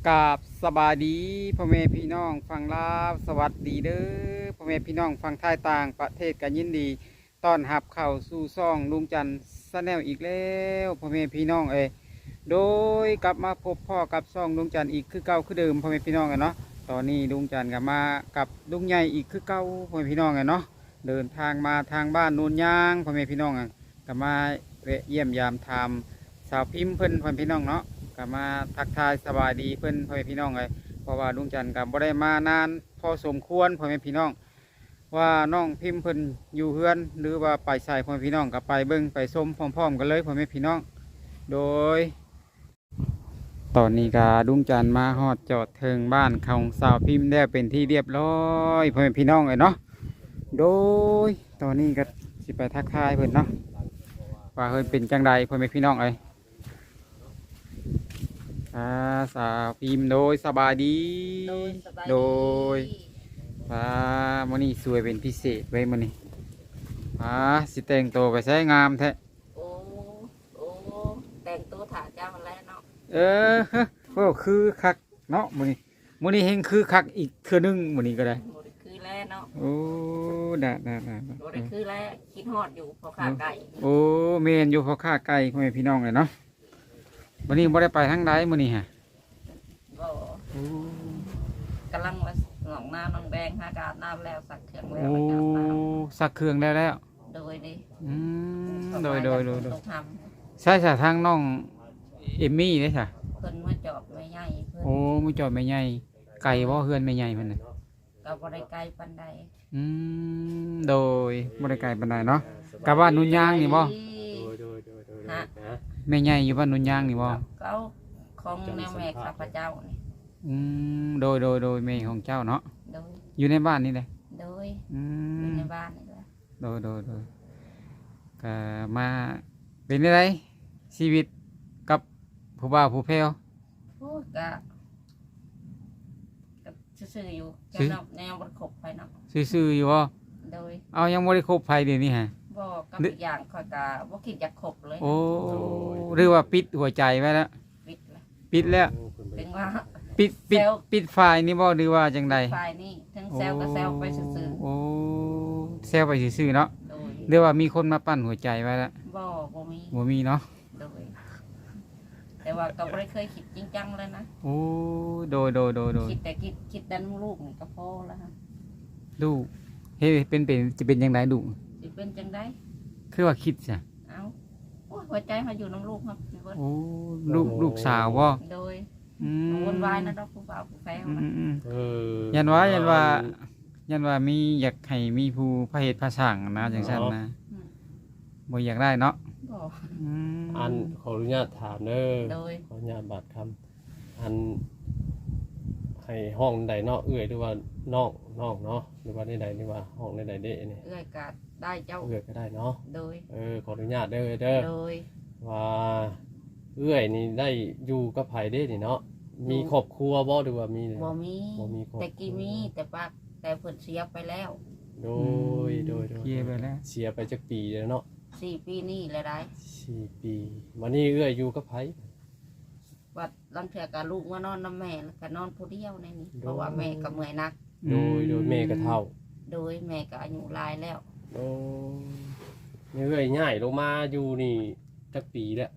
กราบสบายดีพ่อแม่พี่น้องฟังลาวสวัสดีเด้อพ่อแม่พี่น้องฟังไทยต่างประเทศกันยินดีต้อนรับเข้าสู่ซ่องลุงจันทร์ชาแนลอีกแล้วพ่อแม่พี่น้องโดยกลับมาพบพ่อกับซ่องลุงจันทร์อีกคือเก่าคือเดิมพ่อแม่พี่น้องกันเนาะตอนนี้ลุงจันทร์กับมากับลุงใหญ่อีกคือเก่าพ่อแม่พี่น้องกันเนาะเดินทางมาทางบ้านโนนยางพ่อแม่พี่น้องกันกับมาแวะเยี่ยมยามทำสาวพิมพ์เพิ่นพ่อแม่พี่น้องเนาะก็มาทักทายสบายดีเพื่อนพ่อแม่พี่น้องเลยเพราะว่าลุงจันทร์กับบ่ได้มานานพอสมควรพ่อแม่พี่น้องว่าน้องพิมพ์เพิ่นอยู่เฮือนหรือว่าไปใส่พ่อแม่พี่น้องกับไปเบิ้งไปชมพร้อมๆกันเลยพ่อแม่พี่น้องโดยตอนนี้ก็ลุงจันทร์มาฮอดจอดเทิงบ้านของสาวพิมพ์ได้เป็นที่เรียบร้อยพ่อแม่พี่น้องเลยเนาะโดยตอนนี้ก็สิไปทักทายเพิ่นเนาะว่าเพิ่นเป็นจังใดพ่อแม่พี่น้องเลยสาวพิมพ์โดยสบายดีโดยมื้อนี้สวยเป็นพิเศษไว้มื้อนี้สิแต่งตัวไปใช้งามแท้โอ้โอ้แต่งตัวถ่าเจ้าแล้วเนาะโอ้คือคักเนาะมื้อนี้เฮงคือคักอีกเทื่อนึงมื้อนี้ก็ได้บ่ได้คือแล้วเนาะโอ้ดะบ่ได้คือแล้วคิดฮอดอยู่พอขาไก่โอ้แม่นอยู่พอค่าไก่พ่อแม่พี่น้องเลยเนาะมื้อนี้บ่ได้ไปทางใดมื้อนี้ฮะบ่กำลังมาหนองน้ำน้องแบงหากาบน้ำแล้วสักเครื่องแล้วอาบน้ำสักเครื่องแล้วโดยดิโดยใช่ทางน้องเอมมี่เด้จ้ะเพิ่นมาจอบแม่ใหญ่เพิ่นโอ้มาจอบแม่ใหญ่ไก่บ่เฮือนแม่ใหญ่เพิ่นน่ะก็บ่ได้ไกลปานใดโดยบ่ได้ไกลปานใดเนาะกับบ้านนุ่นยางนี่บ่ฮะแม่ใหญ่อยู่บ้านนุ่นยางนี่บ่เขาของแนวแม่ข้าพเจ้านี่โดยแม่ของเจ้าเนาะโดยอยู่ในบ้านนี่แหละโดยอยู่ในบ้านนี่แหละโดยก็มาเป็นอะไรชีวิตกับผู้บ่าวผู้แพ้วโอ้ก็ซื่อๆอยู่แนวบ่ครบไปเนาะซื่อๆอยู่บ่โดยเอายังบ่ได้คบไผเดี๋ยวนี้ฮะบ่กับอีกอย่างค่อยก็บ่คิดอยากคบเลยโอ้หรือว่าปิดหัวใจไว้แล้วปิดแล้วถึงว่าปิดไฟนี่บ่หรือว่าจังใดไฟนี่ทั้งแซวก็แซวไปซื่อๆโอ้แซวไปซื่อๆเนาะหรือว่ามีคนมาปั้นหัวใจไว้แล้วบ่มีเนาะแต่ว่าก็ไม่เคยคิดจริงจังเลยนะโอ้โดยคิดแต่คิดดันลูกนี่ก็พอแล้วฮะดูเฮ้เป็นจะเป็นยังไงดูจะเป็นจังไดคือว่าคิดจ้ะเอาหัวใจมาอยู่น้องลูกครับโอ้ลูกสาวบ่โดยวนวายนะดอกผู้บ่าวผู้แฟนยันว่ามีอยากให้มีผู้พระเหตุพระสั่งนะจังซั่นนะบ่อยากได้เนาะอันขออนุญาตถามเด้อขออนุญาตบาดคำอันให้ห้องใดเนาะเอื้อยหรือว่าน้องเนาะหรือว่าใดนี่ว่าห้องใดเด้นี่เอื้อยก็ได้เจ้าเอื้อยก็ได้เนาะโดยขออนุญาตเด้อโดยว่าเอื้อยนี่ได้อยู่กับไผเด้นี่เนาะมีครอบครัวบ่หรือว่ามีบ่มีแต่กี้มีแต่ปากแต่เพิ่นเสียไปแล้วโดยเสียไปแล้วเสียไปจักปีแล้วเนาะ 4 ปีนี่แหละได้ 4 ปีมานี่เอื้อยอยู่กับไผวัดลังเถื่อกับลูกมานอนน้ำแม่แล้วก็นอนผู้เดียวในนี้เพราะว่าแม่ก็เมื่อยนักโดยแม่ก็เฒ่าโดยแม่ก็อายุหลายแล้วโอ้เอื้อยง่ายลงมาอยู่นี่จักปีแล้ว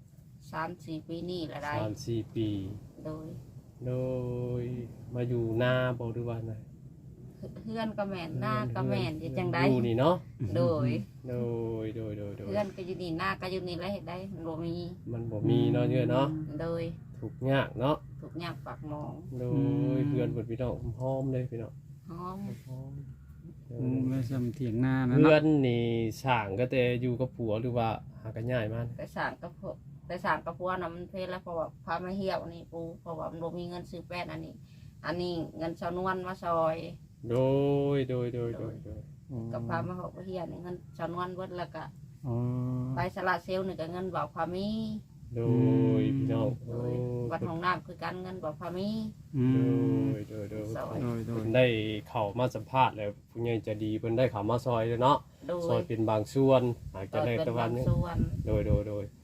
3-4 ปีนี่แหละได้ 3-4 ปีโดยมาอยู่หน้าบ่หรือว่าไงเพื่อนก็แม่นหน้าก็แม่นจังได๋อยู่นี่เนาะโดยเพื่อนก็อยู่นี่หน้าก็อยู่นี่แล้วเฮ็ดได้มันบ่มีเนาะเนาะโดยถูกยากเนาะถูกยากปากหมองโดยเพื่อนเปิดพี่น้องหอมเลยพี่น้องหอมแล้วสำเถียงหน้านะเพื่อนนี่สร้างก็แต่อยู่กับผัวหรือว่าหากันง่ายมันแต่สร้างกับผัวน่ะมันเพลแล้วเพราะว่าพามาเหี่ยวนี่ปูเพราะว่ามันบ่มีเงินซื้อแป้นอันนี้เงินชาวนวลมาซอยโดยกับพามาหกเฮียนี่เงินชาวนวลเบิดแล้วก็ไปสละเซลนี่ก็เงินบอกพามีโดยพี่น้องวัดห้องน้ำคือการเงินบอกพามีโดยได้เข้ามาสัมภาษณ์แล้วผู้ใหญ่จะดีเพิ่นได้เข้ามาซอยเลยเนาะซอยเป็นบางส่วนอาจจะได้ตะวันโดย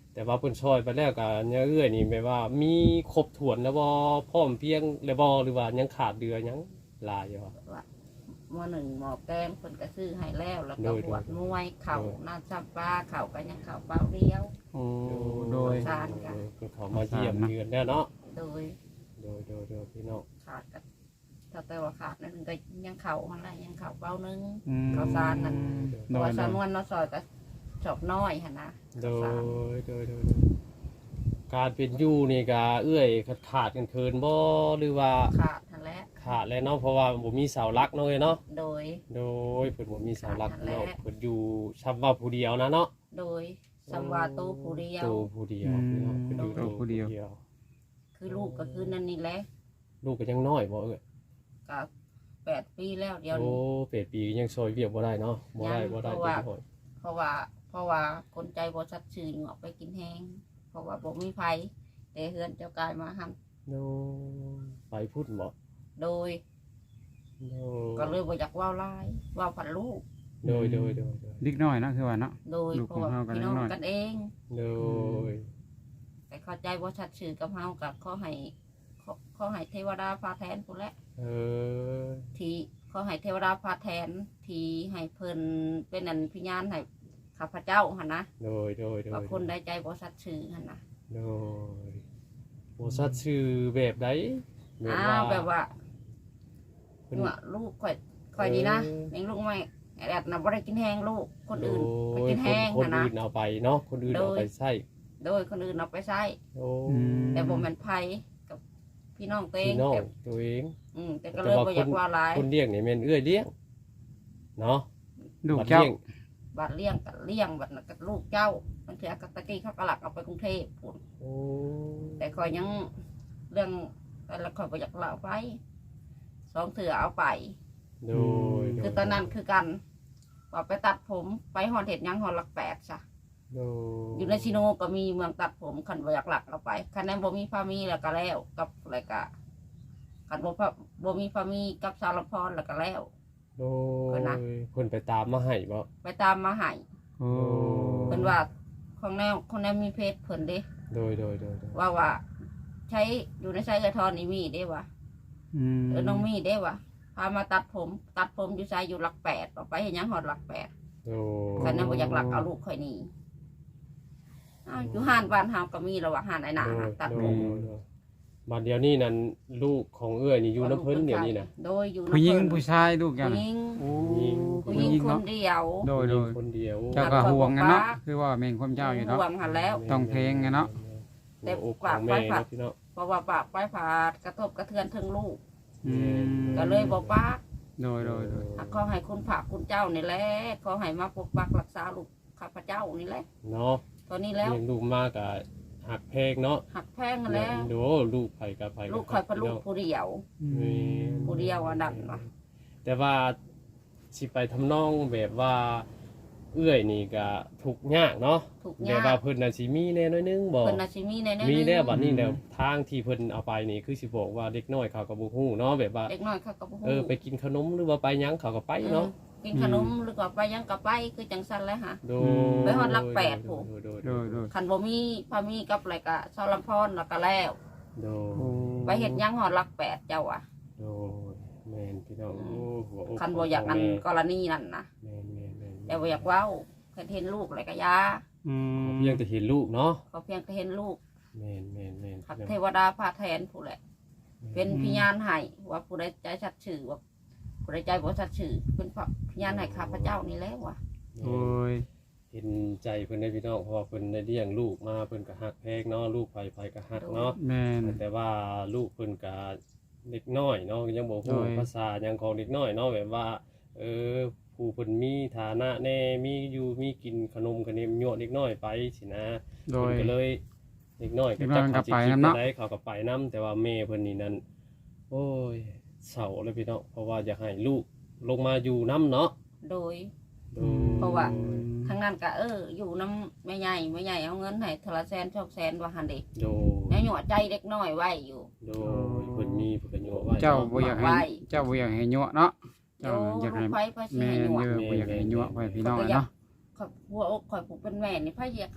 แต่ว่าเพิ่นช่วยไปแล้วก็เนี่ยเอื้อยนี่แปลว่ามีครบถ้วนแล้วบ่พร้อมเพรียงแล้วบ่หรือว่ายังขาดเดือยังหลายอยู่ว่าว่าหม้อหนึ่งหม้อแกงเพิ่นก็ซื้อให้แล้วแล้วก็โดยบวชโดยมวยเข่าน้ำซับปลาเข่าก็ยังเข่าเปล่าเดียวโอ้โดยสารกันเพิ่นเขามาเยี่ยมเยือนแล้วเนาะโดยโดยพี่น้องขาดกันถ้าแต่ว่าขาดนั่นก็ยังเข่าอะไรยังเข่าเปล่านึงอืมข้าวสารนั่นโดตัวยโดสาวนวลเนาะซอยก็จบน้อยหั่นนะโดยการเป็นอยู่นี่ก็เอื้อยขาดกันเคินบ่หรือว่าขาดทันแล้วขาดแล้วเนาะเพราะว่าบ่มีเสาหลักเนาะเอ้ยเนาะโดยโดยเพิ่นบ่มีเสาหลักขาดแล้วเนาะเพิ่นอยู่ชับว่าผู้เดียวนะเนาะโดยสัมวาตูผู้เดียวโตผู้เดียวพี่น้องเพิ่นอยู่โตผู้เดียวคือลูกก็คือนั่นนี่แหละลูกก็ยังน้อยบ่เอ้ยก็8 ปีแล้วเดี๋ยวโอ้นี้เป็ดปียังซอยเวียกบ่ได้เนาะบ่ได้ยังบ่ได้เพราะเป็ว่านหอยเพราะว่าคนใจบ่ชัดชื่อออกไปกินแห้งเพราะว่าบ่มีไผแต่เฮือนเจ้ากายมาหันโนไปพูดบ่โดยโนก็เลยบ่อยากเว้าหลายเว้าผันลูกโดยเล็กน้อยเนาะคือว่าเนาะโดยลูกเพราะว่าของเฮาก็พี่น้องน้อยกันเองโดยแต่เข้าใจบ่ชัดชื่อกับเฮากับขอให้เทวดาพาแทนพุ่นแหละเออที่ขอให้เทวดาพาแทนที่ให้เพิ่นเป็นอันพิญาณให้ข้าพเจ้าหั่นนะโดยว่าคนใดใจบ่ชัดชื่อหั่นนะโดยโอ้สัตว์ชื่อแบบใดแบบว่าเพิ่นว่าลูกข่อยดีนะเลี้ยงลูกไม่แอดน่ะบ่ได้กินแห้งลูกคนอื่นไปกินแห้งคนหั่นนะอื่นเอาไปเนาะคนอื่นเอาไปใช้โดยคนอื่นเอาไปใช้โอ้แต่บ่แม่นไผกับพี่น้องตัวเอพี่งน้องแต่ตัวเองแต่ก็เลยบ่อยากว่าหลายคนเลี้ยงนี่แม่นเอื้อยเลี้ยงเนาะลูกบัดเจ้าลี้ยงบัดเลี้ยงกับเลี้ยงบัดน่ะกับลูกเจ้าบางทีก็ตะกี้เขาก็หลักเอาไปกรุงเทพพุ่นโอ้แต่ข่อยยังเรื่องแต่ละข่อยบ่อยากเล่าไปสองเถื่อเอาไปโดยคือตอนนั้นคือกันว่าไปตัดผมไปหอดเห็ดหยังหอดหลัก8ซะโดอยู่ในชิโนก็มีเมืองตัดผมคันบ่อยากหลักเอาไปคันนั้นบ่มีพามีแล้วก็แล้วกับอะไรก็คันบ่มีพามีกับสารพรแล้วก็แล้วโดเพิ่นนะเพิ่นไปตามมาให้บ่ไปตามมาให้โอ้เพิ่นว่าของแนวมีเพจเพิ่นเด้โดยว่าใช้อยู่ในใช้กระทอนนี่มีเด้วะอืมน้องมีเด้วะพามาตัดผมอยู่ใช้อยู่หลัก8ต่อไปเห็นยังหอดหลัก8 โดคันนั้นบ่อยากหลักเอาลูกข่อยหนี่อ้าวอยู่ห้านบ้านเฮาก็มีแล้วว่าห้านไอ้หนาหาตัดผมบัดเดียวนี้นั่นลูกของเอื้อยนี่อยู่น้ำเพิ่นเดี๋ยวนี้นะโดยอยู่ผู้หญิงเพิ่นผู้ชายลูกกันผู้หญิงโอ้ผู้หญิงคนเนาะเดียวโดยคนเดียวเจ้าก็ห่วงกันเนาะคือว่าแม่งความเจ้าอยู่เนาะห่วงหันแล้วต้องเพลงไงเนาะแต่แต่อกขปาอก งไปแม่ผัดเนาะพี่เนาะเพราะว่าปากไปผาดกระทบกระเทือนถึงลูกอืมก็เลยบอกปากโดยขอให้คุณพระคุณเจ้านี่แหละขอให้มาปกปักรักษาลูกข้าพเจ้านี่แหละเนาะตอนนี้แล้วเลี้ยงลูกมากกับหักเพลงเนาะหักแพงกันแล้วดูลูกไผกับไผลูกคอยเป็นลูกผู้เดียวอืมผู้เดียวอันนั้นวะแต่ว่าสิไปทำนองแบบว่า เอื้อยนี่ก็ทุกข์ยากเนาะถูกแต่ยากว่าเพิ่นน่ะสิมีแน่น้อยนึงบ่เพิ่นน่ะสิมีในนั้นมีแล้วบัดนี้แล้วทางที่เพิ่นเอาไปนี่คือสิบอกว่าเด็กน้อยเขาก็บ่ฮู้เนาะแบบว่าเด็กน้อยเขาก็บ่ฮู้ไปกินขนมหรือว่าไปหยังเขาก็ไปเนาะกินขนมหรือว่าไปยังก็ไปคือจังซั่นแหละฮะโดไปฮอดหลักแปดผู้โดยโดยคันบ่มีพามีกับอะไรก็ซอลำพรแล้วก็แล้วโดโอ้ยไปเฮ็ดหยังฮอดหลัก8เจ้าอ่ะโดยแม่นพี่น้องโอ้หัวอกคันบ่อยากอันกรณีนั่นนะแม่นแต่บ่อยากเว้าแค่เห็นลูกอะไรก็ยาอืมเพียงแต่เห็นลูกเนาะเขาเพียงแต่เห็นลูกแม่นหักเทวดาพาแทนผู้แหละ เป็นพยานให้ว่าผู้ใดใจชัดชื่อว่าผู้ใดใจบ่ชัดชื่อเป็นพยานให้ข้าพเจ้านี่แหล้วว่ะโอ้ยเห็นใจเพิ่นได้พี่น้องเพราะว่าเพิ่นได้เลี้ยงลูกมาเพิ่นก็ฮักแพงเนาะลูกไผก็ฮักเนาะแม่นแต่ว่าลูกเพิ่นก็เด็กน้อยเนาะยังบ่ฮู้โดยภาษาหยังของเด็กน้อยเนาะแบบว่า ผู้เพิ่นมีฐานะแน่มีอยู่มีกินขนมขนมยั่วเด็กน้อยไปสินะโดยเพิ่นก็เลยเด็กน้อยก็เด็กน้อยมันก็ไปนำเนาะได้เขาก็ไปนํแต่ว่าแม่เพิ่นนี่นั่นโอ้ยเศร้าเลยพี่น้องเพราะว่าอยากให้ลูกลงมาอยู่นํเนาะโดยโดยเพราะว่า ทั้งนั้นก็อยู่น้ำแม่ใหญ่เอาเงินให้ทละแสน200,000ว่าหั่นเด้โดยแม่หยั่วใจเด็กน้อยไว้อยู่โดยเพิ่นมีเพิ่นก็ยั่วไว้เจ้าเนาะบ่อยากให้เจ้าบ่อยากให้ยั่วเนาะโยเจ้าอยากลูให้กไผสิแม่ให้หยั่วเยอะบ่อยากให้ยั่วไว้พี่น้องเนาะข่อยหัวอกข่อยผู้เป็นแม่นี่ไผอยากให้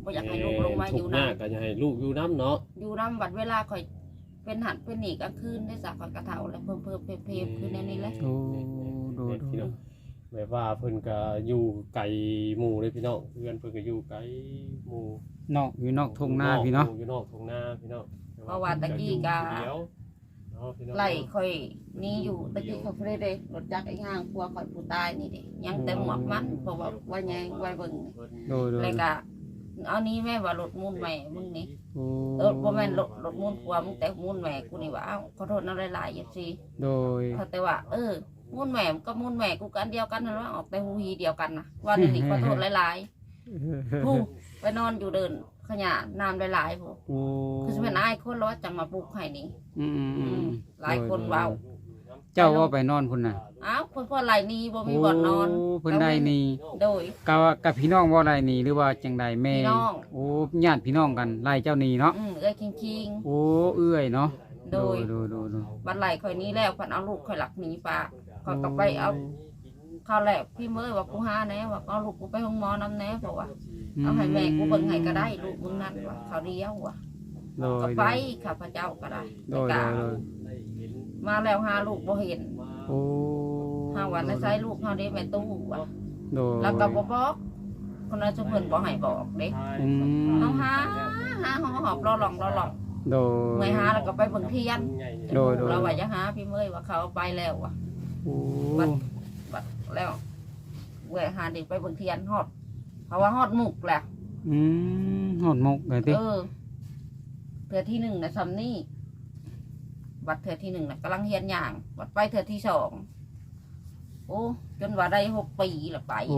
บ่อยากให้ลูกลงมาอยู่ทุกนำยากก็อยากให้ลูกอยู่น้ำเนาะอยู่นำบัดเวลาข่อยเป็นหันเป็นหนีกลางคืนได้สักข่อยกระเฒ่าแล้วเพิ่มเพมคือแนวนี้แหละโอ้โดยพี่น้องแบบว่าเพิ่นก็อยู่ไกลหมู่เลยพี่น้องเพื่อนเพิ่นก็อยู่ไกลหมู่นอกอยู่นอกทุ่งนาพี่เนาะอยู่นอกทุ่งนาพี่น้องเพราะว่าตะกี้ก็เดียวเนาะพี่น้องไล่ข่อยนี่อยู่ตะกี้เขาเด้รถจักรไอ้ห้างพวกข่อยผู้ตายนี่เด้ยังแต่หมวกมันเพราะว่าว่าแยงไว้เบิ่งโดยโดยแล้วก็เอานี้แม่ว่ารถมูลแม่มึงนี่โอ้บ่แม่นรถมูลผัวมึงแต่มูลแม่กูนี่ว่าเอ้าขอโทษนำหลายๆอย่าสิโดยแต่ว่ามูลแม่ก็มูลแม่กูก็อันเดียวกันนั่นว่าออกแต่ฮูฮีเดียวกันนะว่านี่ขอโทษหลายๆผู้ไปนอนอยู่เดินขยะน้ำหลายๆผู้โอ้คือสิแม่นอายคนแล้วจังมาปลูกให้นี่ หลายคนเว้าเจ้าว่าไปนอนพุ่นน่ะอ้าวคนพ่อไหลนี้บ่มีบ่อนนอนโเพิ่นได้นี่โดยกับพี่น้องบ่ได้นี่หรือว่าจังใดแม่พี่น้องโอ้ญาติพี่น้องกันไล่เจ้านี่เนาะเอ้ยคิงโอ้เอื้อยเนาะๆโดยโดยบัดไหลข่อยนี้แล้วเพิ่นเอาลูกข่อยหลักหนีปลาข่อยก็ไปเอาข้าวแลกพี่เมยว่ากูหาแน่ว่าเอาลูกกูไปห้องหมอนำแน่เพราะว่าเอาให้แม่กูเบิ่งให้ก็ได้ลูกมึงนั่นว่าเขาเดียวว่ะโดก็ยไปข้าพเจ้าก็ได้โดแต่ยก็มาแล้วหาลูกบ่เห็นโอ้หาวันในไซลูกเฮาได้แม่ตู้ว่ะโดยแล้วก็บ่บอกคนนั้นจะเพิ่นบ่ให้บอกเด้อืมเฮาหาหอบรอหลองโดยเมื่อยหาแล้วก็ไปเบิ่งเทียนโดยเราว่าจะหาพี่เมยว่าเขาเอาไปแล้วว่ะโอ้บัดแล้วเมื่อยหาเด็กไปเบิ่งเทียนฮอดเพราะว่าฮอดมุกแหละหอดมกเลยติเทื่อที่หนึ่งนะซำนี่บัดเทื่อที่หนึ่งนะกำลังเฮียนอย่างบัดไปเทื่อที่สองโอ้จนว่าได้6 ปีละไปโอ้อะ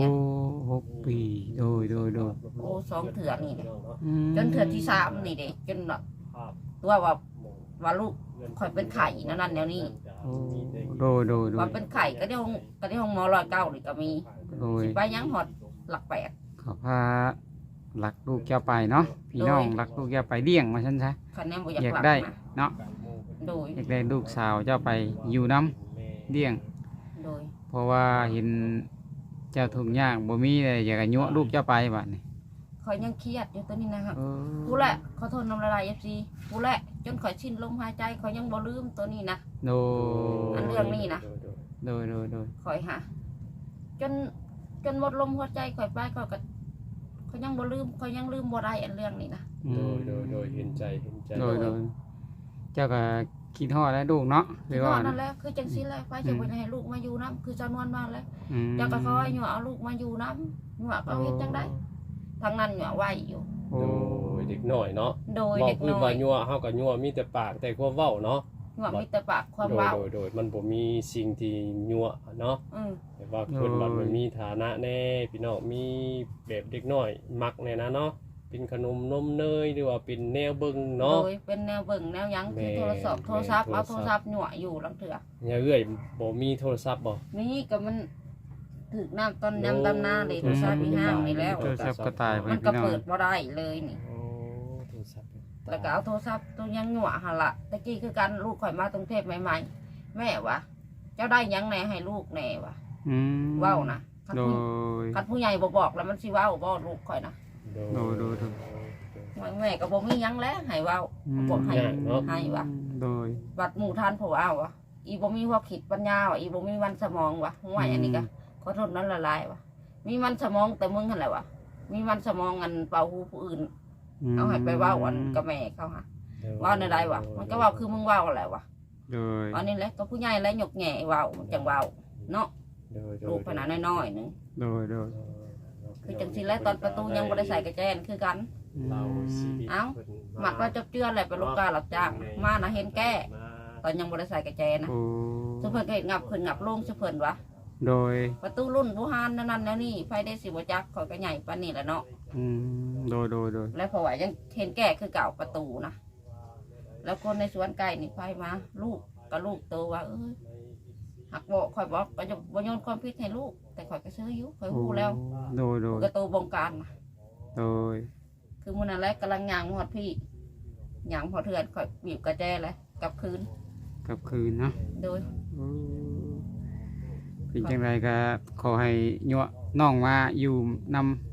6 ปีโดยโอ้2 เทื่อนี่นะอืมจนเทื่อที่3นี่เด็กจนแบบตัวว่าลูกคอยเป็นไข่นั่นแนวนี้โอ้โดยว่าเป็นไข่ก็ได้ห้องหมอ109นี่ก็มีโดยสิไปยังหอดหลัก8 ขอพาหลักลูกแก้วไปเนาะพี่น้องหลักลูกแก้วไปเลี้ยงมาฉันซะคะแนนบ่อยากอยากหลักได้นะเนาะโดยอยากได้ลูกสาวเจ้าไปอยู่น้ำเลี้ยงโดยเพราะว่าเห็นเจ้าทุกข์ยากบ่มีเลยอยากให้ยั่วลูกเจ้าไปบัดนี้คอยยังเครียดอยู่ตัวนี้นะครับเออผู้แหละขอโทษน้ำละลายFCผู้แหละจนคอยชินลมหายใจคอยยังบ่ลืมตัวนี้นะโดอันเรื่องนี้นะโดยคอยหาจนหมดลมหัวใจคอยไปคอยก็คอยยังบ่ลืมคอยยังลืมบ่ได้อันเรื่องนี้นะอืมโดยเห็นใจโดยเจ้าก็คิดฮอดแล้วลูกเนาะหรือว่านั่นแหละคือจังซี่แหละไปจะบ่ให้ลูกมาอยู่นํคือจำนวนมาแล้วอืมเจ้าก็คอยอยู่เอาลูกมาอยู่นํอยู่ก็เฮ็ดจังได๋ทางนั้นอยู่ไหวอยู่โอ้โดยเด็กน้อยเนาะโดยบอกเด็กคือน้อว่าย ยั่วเฮาก็ยั่วมีแต่ปากแต่ความเว้าเนาะว่ามีแต่ปากความเว้าโดยมันบ่มีสิ่งที่ยั่วเนาะ แต่ว่าเพิ่นว่ามันมีฐานะแน่พี่น้องมีแบบเด็กน้อยมักแน่นะเนาะเป็นขนมนมเนยหรือว่าเป็นแนวเบิ่งโดเนาะยเป็นแนวเบิ่งแนวหยังคือโทรศัพท์เอาโทรศัพท์หยั่วอยู่ลังเถื่ออย่าเอ้ยบ่มีโทรศัพท์บ่นี่ก็มันถึกน้ำต้นน้ำตำหน้าเลยโทรศัพท์มีห้างนี่แล้วโทรศัพท์ก็ตายไปมันก็พี่น้องเปิดบ่ได้เลยนี่โอ้โทรศัพท์แล้วก็เอาโทรศัพท์ตัวยังหยั่วหั่นละตะกี้คือกันลูกข่อยมาตรงเทพใหม่ๆแม่วะเจ้าได้หยังแหน่ให้ลูกแหน่วะอืมเว้านะคันโดผู้ยคันผู้ใหญ่บ่บอกแล้วมันสิเว้าบ่ลูกข่อยนะโดยแม่ก็บ่มีหยังแล้วให้เว้าบ่ให้ให้วะโดยบัดหมู่ทานผู้เอาวะอีบ่มีความคิดปัญญาวะอีบ่มีวันสมองวะห่วยอันนี้ก็ขอโทษนั้นละลายวะมีมันสมองแต่มึงหั่นแหละวะมีมันสมองอันเป่าหูผู้อื่นเอาให้ไปเว้าอันกับแม่เขาฮะเว้าในใดวะมันก็เว้าคือมึงเว้าแหละวะโดยอันนี้แหละก็ผู้ใหญ่แล้วหยกแหน่เว้ามันจังเว้าเนาะลูกขนาดน้อยๆนึงโดยคือจังซี่แล้วตอนประตูยังบ่ได้ใส่กระแจนคือกัน เอ้า หมักว่าจบเจือแหละเป็นลูกกาหลับจ้างมานะเห็นแก้ตอนยังบ่ได้ใส่กระแจนะโอ้สุเพิ่นก็เห็นงับขึ้นงับลงสุเพิ่นวะโดยประตูรุ่นผู้ฮานนั่นแล้วนี่ไฟได้สิบ่จักข่อยก็ใหญ่ปานนี้แหละเนาะโดยแล้วเพราะว่ายังเห็นแก่คือเก่าประตูนะแล้วคนในสวนไก่นี่ไฟมาลูกกับลูกโตว่าเอ้ยหักบอกข่อยบอกก็จะบ่โยนความผิดให้ลูกแต่ข่อยก็ซื้ออยู่ข่อยฮู้แล้วโดยก็โตบงการนะโดยคือมื้อนั้นแหละกำลังย่างฮอดพี่ย่างฮอดเทือนข่อยบีบกระแจเลยกลับคืนกลับคืนเนาะโดยเป็นจังไรก็ขอให้ยั่วน้องมาอยู่น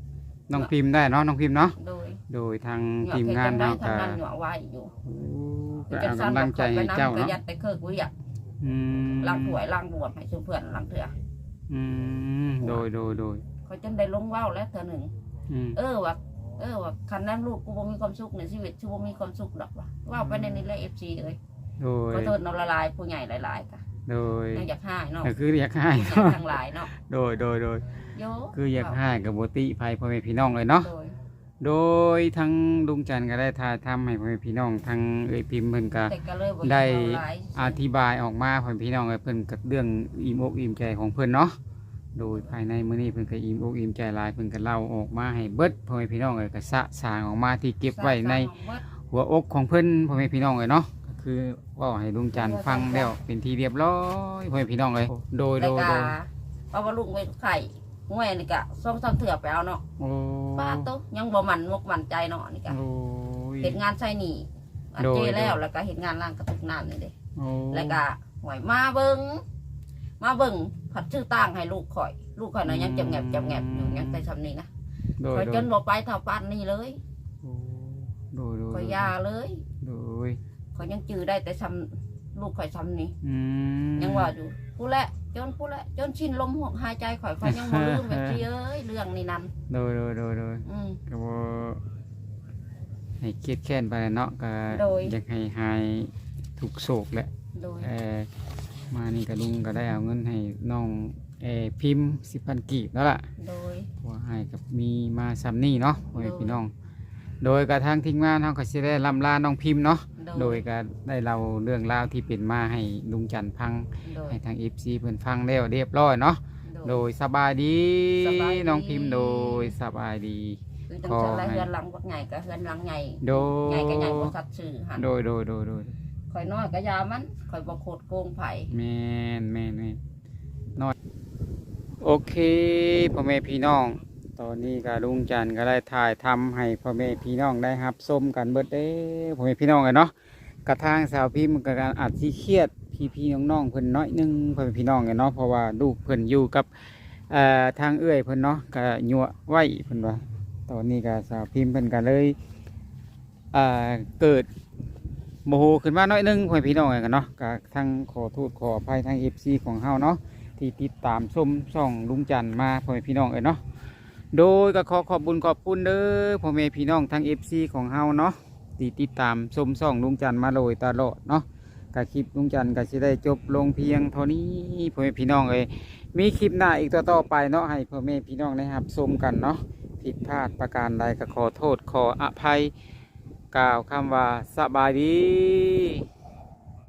น้องพิมพ์ได้เนาะน้องพิมพ์เนาะโดยโดยทางเหงาทีมเฮ็ดงานจังได๋เฮาทางก็นั้นเหงาไว้อยู่ก็เอากำลังใจให้เจ้าก็เนาะยัดไปเคิกวิอ่ะอืมล้างถ้วยล้างบวบให้ชุมเพื่อนล้างเถื่อโดยเขาจนได้ลงเว้าแล้วเถื่อหนึ่งอืมว่าคันนั้นลูกกูบ่มีความสุขในชีวิตชูบ่มีความสุขดอกว่าเว้าไปในนี้แหละ FC เอ้ยโดยขอโทษน้องละลายผู้ใหญ่หลายๆค่ะโดยยังอยากหายเนาะก็คืออยากให้ผู้ใหญ่ทั้งหลายเนาะโดยโยคืออยากให้กับบ่ติภัยพ่อแม่พี่น้องเลยเนาะโดยโดยทั้งลุงจันทร์ก็ได้ถ่ายทำให้พ่อแม่พี่น้องทั้งเอ้ยพิมพ์เพิ่นก็แต่ก็เลยบ่ได้เว้าหลายอธิบายออกมาพ่อแม่พี่น้องเอ้ยเพิ่นกับเรื่องอิ่มอกอิ่มใจของเพิ่นเนาะโดยภายในมื้อนี้เพิ่นก็อิ่มอกอิ่มใจหลายเพิ่นก็เล่าออกมาให้เบิดพ่อแม่พี่น้องเอ้ยก็สะสางออกมาที่เก็บไว้ในหัวอกของเพิ่นพ่อแม่พี่น้องเอ้ยเนาะก็คือเว้าให้ลุงจันทร์ฟังแล้วเป็นที่เรียบร้อยพ่อแม่พี่น้องเอ้ยโดยแล้วก็เอาว่าลูกไปไข่ห้วยนี่ก็2-3เถื่อไปเอาเนาะโอ้ป้าโตยังบ่มั่นมั่นใจเนาะนี่ก็โอ้ยเฮ็ดงานใช้หนี้อันโดยเจแล้วก็เฮ็ดงานล้างกระตุกน้ำนี่เด้โอ้แล้วก็หวยมาเบิ่งผัดชื่อตั้งให้ลูกข่อยน่ะยังจำแงบอยู่ยังไปทำนี่นะโดยข่อยจนบ่ไปเท่าปานนี้เลยโดยข่อยยาเลยโดยข่อยยังจื้อได้แต่ซ้ำลูกข่อยซ้ำนี่อืมยังว่าอยู่ผู้ละจนชินลมหายใจข่อยยังบ่ลืมแบบที่เอ้ยเรื่องนี้นั่นโดยอืมก็บ่ให้เครียดแค้นไปเนาะก็โดยอยากให้หายทุกโศกแหละโดยมานี่ก็ลุงก็ได้เอาเงินให้น้องพิมพ์10,000กีบแล้วล่ะโดยเพราะว่าให้กับมีมาซ้ำนี่เนาะพ่อแม่พี่น้อง โดยกระทั่งทีมงานเฮาก็สิได้ลำลาน้องพิมพ์เนาะโดยก็ได้เล่าเรื่องราวที่เป็นมาให้ลุงจันทร์ฟังโดยให้ทาง FC เพิ่นฟังแล้วเรียบร้อยเนาะโดยสบายดีสบายดีน้องพิมพ์โดยสบายดีคือจังซั่นแล้วเฮือนหลังบักใหญ่ก็เฮือนหลังใหญ่โดใหญ่ก็ใหญ่ยบ่สัตว์ชื่อหั่นโดยข่อยน้อยก็ยามันข่อยบ่โคตรโกงไผแม่นน้อยโอเคพ่อแม่พี่น้อง ตอนนี้ก็ลุงจันทร์ก็ได้ถ่ายทำให้พ่อแม่พี่น้องได้รับชมกันเบิดเด้พ่อแม่พี่น้องเลยเนาะกระทางสาวพิมพ์ก็อาจสิเครียดพี่น้องๆเพิ่นน้อยหนึงพ่อแม่พี่น้องเลยเนาะเพราะว่าลูกเพิ่นอยู่กับทางเอื้อยเพิ่นเนาะก็ยั่วไว้เพิ่นว่าตอนนี้ก็สาวพิมพ์เพิ่นก็เลยเกิดโมโหขึ้นมาน้อยหนึงพ่อแม่พี่น้องเลยกันเนาะก็ทั้งขอโทษขออภัยทาง FC ของเฮาเนาะที่ติดตามชมช่องลุงจันทร์มาพ่อแม่พี่น้องเลยเนาะโดยก็ขอบคุญขอบคุณเด้อพ่อแม่พี่น้องทั้ง FC ของเฮาเนาะที่ติดตามชมช่องลุงจันทร์มาโดยตลอดเนาะก็คลิปลุงจันทร์ก็สิได้จบลงเพียงเท่านี้พ่อแม่พี่น้องเอ้ยมีคลิปหน้าอีกต่อไปเนาะให้พ่อแม่พี่น้องได้รับชมกันเนาะผิดพลาดประการใดก็ขอโทษขออภัยกล่าวคำว่าสบายดี